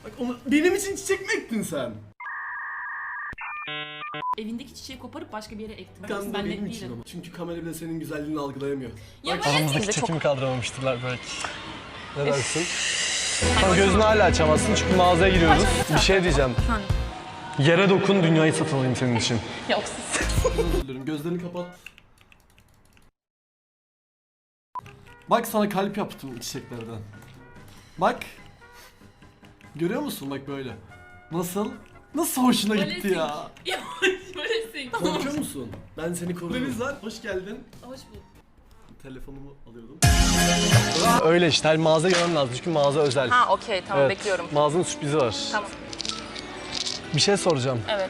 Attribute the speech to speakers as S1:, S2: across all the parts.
S1: Bak onu, benim için çiçek mi ektin sen?
S2: Evindeki çiçeği koparıp başka bir yere ektin.
S1: Kan da
S2: Ben
S1: benim
S2: net
S1: için
S2: değilim.
S1: ama. Çünkü kamera bile senin güzelliğini algılayamıyor.
S2: Ya
S1: Bak,
S3: Aramızdaki çekimi kaldıramamıştırlar belki. Ne dersin? Ama gözünü hala açamazsın çünkü mağazaya giriyoruz. Bir şey diyeceğim. Yere dokun, dünyayı satın alayım senin için.
S2: Yok siz.
S1: özür dilerim. Gözlerini kapat. Bak sana kalp yaptım çiçeklerden. Bak. Görüyor musun bak böyle. Nasıl? Nasıl hoşuna gitti ya?
S2: Ya böylesin.
S1: Korkuyor musun? Ben seni korurum. Hoş geldin.
S2: Hoş bulduk.
S1: Telefonumu alıyordum.
S3: Öyle işte, her mağaza görmem lazım çünkü mağaza özel.
S2: Ha okey tamam
S3: Evet,
S2: bekliyorum.
S3: Mağazanın sürprizi var.
S2: Tamam.
S3: Bir şey soracağım.
S2: Evet.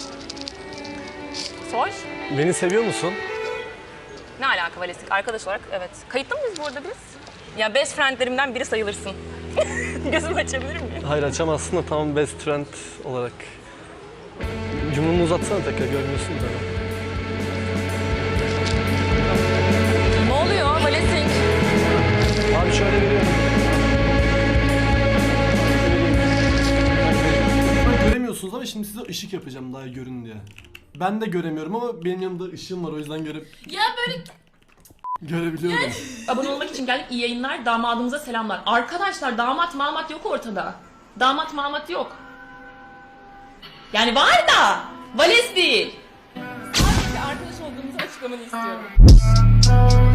S2: Sor.
S3: Beni seviyor musun?
S2: Ne alaka Valesik? Arkadaş olarak evet. Kayıtlı mıyız bu arada biz? Ya best friendlerimden biri sayılırsın. Gözümü açabilir miyim?
S3: Hayır açamazsın da tamam best friend olarak. Cumrumu uzatsana tekrar görmüyorsun da.
S2: Ne oluyor Valesik?
S3: Abi şöyle veriyorum.
S1: Göremiyorsunuz ama şimdi size ışık yapacağım daha görün diye. Ben de göremiyorum ama benim yanımda ışığım var o yüzden
S2: Ya böyle
S1: görebiliyorum.
S2: abone olmak için geldik. İyi yayınlar. Damadımıza selamlar. Arkadaşlar damat mamat yok ortada. Damat mamat yok. Yani var da Vales değil. Sadece arkadaş olduğumuzu açıklamanı istiyorum.